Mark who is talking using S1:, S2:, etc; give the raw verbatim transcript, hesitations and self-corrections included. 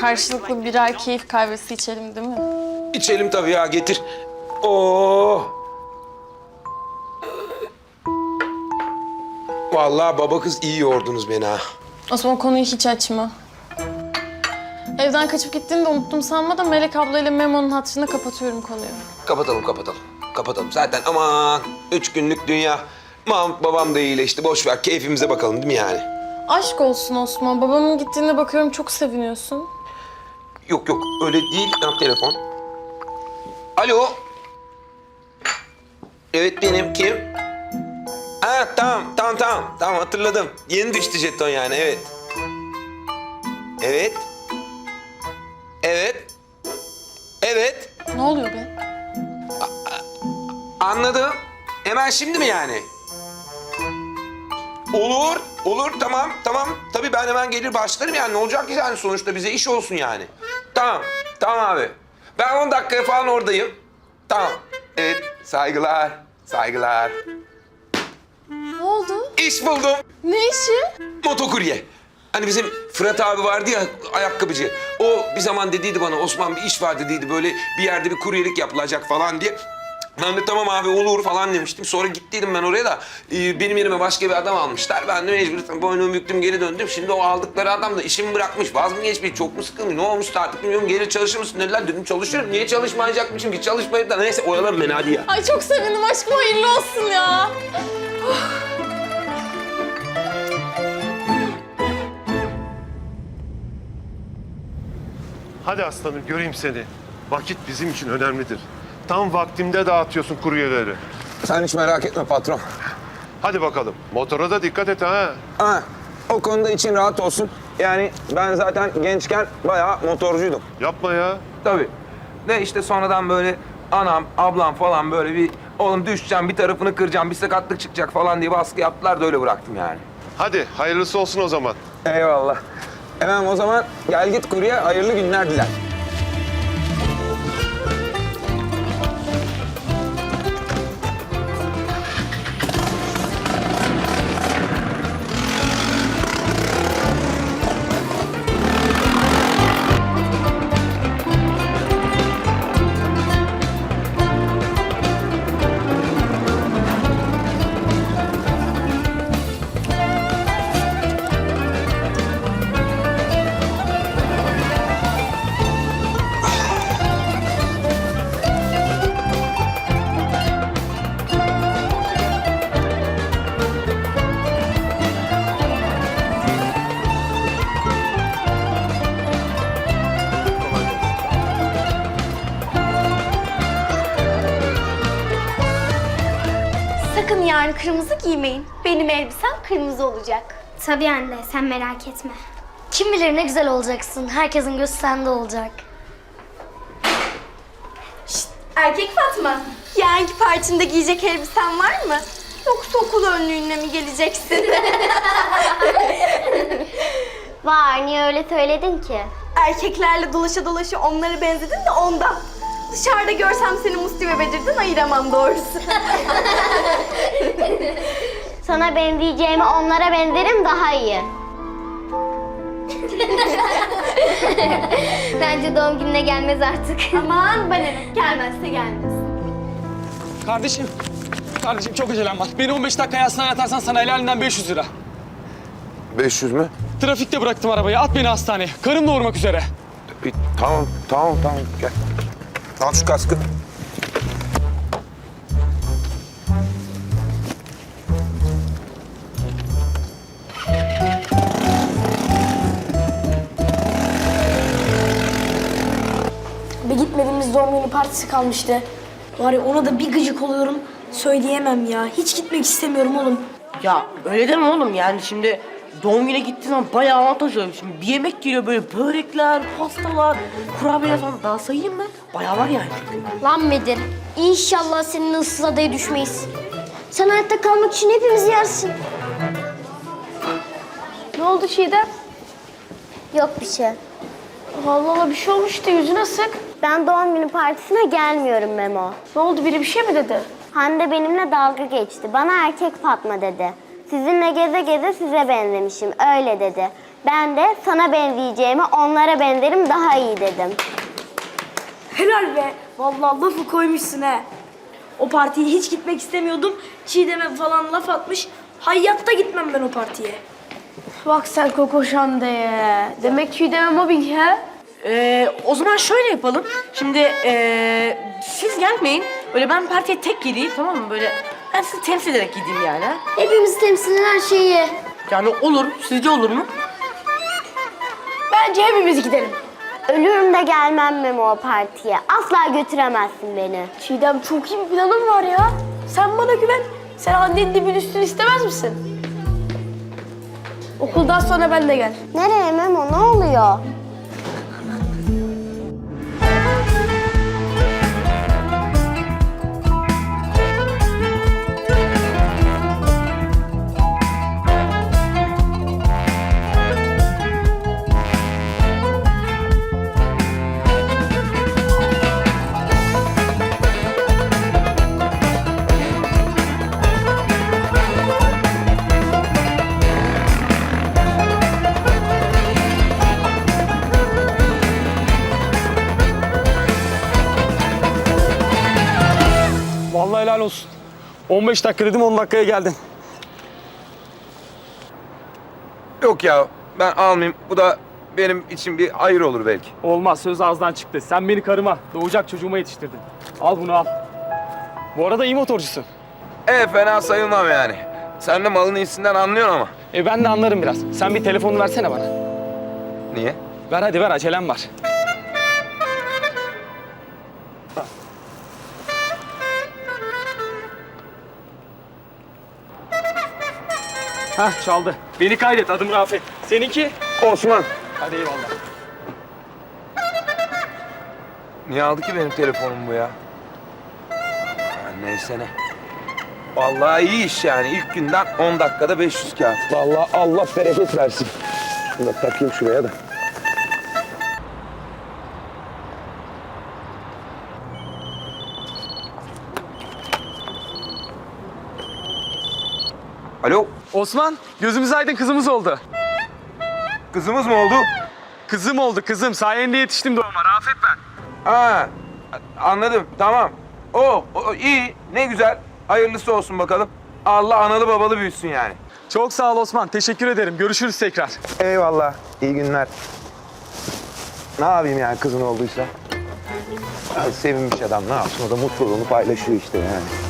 S1: karşılıklı birer keyif kahvesi içelim değil mi?
S2: İçelim tabii ya, getir. Oo. Vallahi baba kız iyi yordunuz beni ha.
S1: Osman konuyu hiç açma. Evden kaçıp gittiğini de unuttum sanma da Melek ablayla Memo'nun hatırına kapatıyorum konuyu.
S2: Kapatalım, kapatalım. Kapatalım. Zaten aman üç günlük dünya. Mahmut babam da iyileşti. Boş ver, keyfimize bakalım değil mi yani?
S1: Aşk olsun Osman. Babamın gittiğine bakıyorum çok seviniyorsun.
S2: Yok yok, öyle değil. Tam telefon. Alo. Evet benim, kim? Ha tamam, tamam, tamam. Tamam hatırladım. Yeni düştü jeton yani, evet. Evet. Evet. Evet.
S1: Ne oluyor be?
S2: Anladım. Hemen şimdi mi yani? Olur, olur. Tamam, tamam. Tabii ben hemen gelir başlarım yani. Ne olacak ki yani sonuçta bize iş olsun yani. Tamam, tamam abi. Ben on dakikaya falan oradayım. Tamam. Evet, saygılar, saygılar.
S1: Ne oldu?
S2: İş buldum.
S1: Ne işi?
S2: Motokurye. Hani bizim Fırat abi vardı ya, ayakkabıcı. O bir zaman dediydi bana, Osman bir iş var dediydi. Böyle bir yerde bir kuryelik yapılacak falan diye. Ben de tamam abi olur falan demiştim. Sonra gittiydim ben oraya da e, benim yerime başka bir adam almışlar. Ben de mecbur boynumu büktüm, geri döndüm. Şimdi o aldıkları adam da işimi bırakmış. Vaz mı geçmiş, çok mu sıkılmış, ne olmuş artık bilmiyorum. Gelir çalışır mısın dediler. Dedim çalışırım. Niye çalışmayacakmışım ki? Çalışmayıp da neyse oyalan beni hadi ya.
S1: Ay çok sevindim. Aşkım hayırlı olsun ya.
S3: Hadi aslanım göreyim seni. Vakit bizim için önemlidir. Tam vaktimde dağıtıyorsun kuryeleri.
S2: Sen hiç merak etme patron.
S3: Hadi bakalım. Motora da dikkat et ha.
S2: Ha, o konuda için rahat olsun. Yani ben zaten gençken bayağı motorcuydum.
S3: Yapma ya.
S2: Tabii. De işte sonradan böyle anam, ablam falan böyle bir oğlum düşeceğim, bir tarafını kıracağım, bir sakatlık çıkacak falan diye baskı yaptılar da öyle bıraktım yani.
S3: Hadi hayırlısı olsun o zaman.
S2: Eyvallah. Hemen o zaman gel git kurye, hayırlı günler diler.
S4: Sakın yarın kırmızı giymeyin. Benim elbisem kırmızı olacak.
S5: Tabii anne, sen merak etme. Kim bilir ne güzel olacaksın. Herkesin gözü sende olacak.
S4: Şşt, erkek Fatma. Yarınki partimde giyecek elbisen var mı? Yoksa okul önlüğüne mi geleceksin?
S5: Var, niye öyle söyledin ki?
S4: Erkeklerle dolaşa dolaşa onlara benzedin de ondan. Dışarıda görsem seni Musti ve Bedir'den ayıramam doğrusu.
S5: Sana benzeyeceğime onlara benzerim daha iyi. Bence doğum gününe gelmez artık.
S4: Aman bana ne, gelmezse gelmez.
S6: Kardeşim, kardeşim çok acelem var. Beni on beş dakika hastaneye atarsan sana helalinden beş yüz lira.
S2: beş yüz mü?
S6: Trafikte bıraktım arabayı, at beni hastaneye. Karım doğurmak üzere.
S2: E, tamam, tamam, tamam. Gel. Al şu kaskı.
S7: Bir gitmediğimiz doğum günü partisi kalmıştı. Var ya ona da bir gıcık oluyorum. Söyleyemem ya. Hiç gitmek istemiyorum oğlum.
S8: Ya öyle deme oğlum yani şimdi doğum güne gittiğin zaman bayağı avantaj oluyor. Şimdi bir yemek geliyor böyle börekler, pastalar, kurabiyeler falan daha sayayım mı? Bayağı var yani.
S5: Lan Bedir, inşallah senin ıssız adaya düşmeyiz. Sen hayatta kalmak için hepimizi yersin.
S7: Ne oldu Çiğdem?
S5: Yok bir şey.
S7: Allah Allah bir şey olmuştu. Yüzüne sık.
S5: Ben doğum günü partisine gelmiyorum Memo.
S7: Ne oldu? Biri bir şey mi dedi?
S5: Hande benimle dalga geçti. Bana erkek Fatma dedi. Sizinle geze geze size benzemişim. Öyle dedi. Ben de sana benzeyeceğime onlara benzerim daha iyi dedim.
S7: Helal be. Vallahi lafı koymuşsun he. O partiye hiç gitmek istemiyordum. Çiğdem'e falan laf atmış. Hayatta gitmem ben o partiye.
S1: Bak sen Koko Şande'ye. Demek Çiğdem'e mobbing he?
S8: Ee, o zaman şöyle yapalım. Şimdi ee, siz gelmeyin. Böyle ben partiye tek gideyim, tamam mı? Böyle ben sizi temsil ederek gideyim yani. ha?
S5: Hepimiz temsilen her şeyi.
S8: Yani olur. Sizce olur mu?
S7: Bence hepimiz gidelim.
S5: Ölürüm de gelmem Memo o partiye. Asla götüremezsin beni.
S7: Çiğdem çok iyi bir planım var ya. Sen bana güven. Sen annenin dibin üstünü istemez misin? Okuldan sonra ben de gel.
S5: Nereye Memo, ne oluyor?
S6: Vallahi helal olsun. on beş dakika dedim on dakikaya geldin.
S2: Yok ya ben almayayım. Bu da benim için bir hayır olur belki.
S6: Olmaz, söz ağızdan çıktı. Sen beni karıma, doğacak çocuğuma yetiştirdin. Al bunu al. Bu arada iyi motorcusun.
S2: E fena sayılmam yani. Sen de malın iyisinden anlıyorsun ama.
S6: E ben de anlarım biraz. Sen bir telefonu versene bana.
S2: Niye?
S6: Ver hadi ver, acelem var. Hah çaldı. Beni kaydet, adım Rafet. Seninki?
S2: Osman.
S6: Hadi eyvallah.
S2: Niye aldı ki benim telefonum bu ya? Ha, neyse ne. Vallahi iyi iş yani. İlk günden on dakikada beş yüz kağıt. Vallahi Allah bereket versin. Şunu da takayım şuraya da. Alo,
S6: Osman, gözümüz aydın, kızımız oldu.
S2: kızımız mı oldu?
S6: Kızım oldu, kızım. Sayende yetiştim doğuma. Rafet ben.
S2: Ha, anladım. Tamam. O, o iyi. Ne güzel. Hayırlısı olsun bakalım. Allah analı babalı büyütsün yani.
S6: Çok sağ ol Osman. Teşekkür ederim. Görüşürüz tekrar.
S2: Eyvallah. İyi günler. Ne yapayım yani kızın olduysa? Ya, sevinmiş adam ne yapsın? O da mutluluğunu paylaşıyor işte yani.